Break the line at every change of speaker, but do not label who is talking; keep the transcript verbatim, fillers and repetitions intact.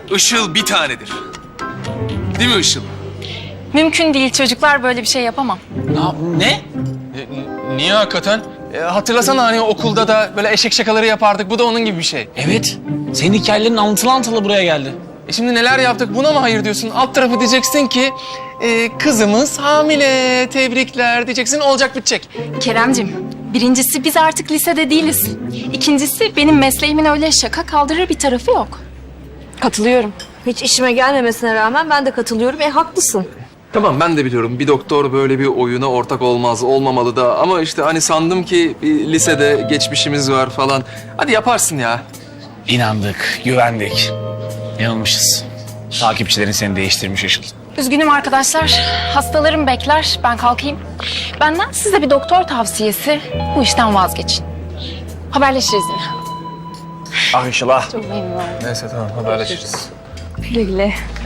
Işıl bir tanedir. Değil mi Işıl?
Mümkün değil çocuklar, böyle bir şey yapamam.
Ne? ne?
E, niye hakikaten? E, hatırlasana hani okulda da böyle eşek şakaları yapardık. Bu da onun gibi bir şey.
Evet. Senin hikayelerin anlatılı anlatılı buraya geldi.
E şimdi neler yaptık, buna mı hayır diyorsun? Alt tarafı diyeceksin ki e, kızımız hamile, tebrikler diyeceksin, olacak bitecek.
Keremcim, birincisi biz artık lisede değiliz. İkincisi benim mesleğimin öyle şaka kaldırır bir tarafı yok.
Katılıyorum. Hiç işime gelmemesine rağmen ben de katılıyorum. E haklısın.
Tamam, ben de biliyorum bir doktor böyle bir oyuna ortak olmaz, olmamalı da. Ama işte hani sandım ki bir lisede geçmişimiz var falan. Hadi yaparsın ya.
İnandık, güvendik. Yanılmışız. Takipçilerin seni değiştirmiş Işıl.
Üzgünüm arkadaşlar, hastalarım bekler, ben kalkayım. Benden size bir doktor tavsiyesi, bu işten vazgeçin. Haberleşiriz yine.
Ah Işıl ah.
Çok memnun oldum.
Neyse tamam, haberleşiriz.
Güle güle.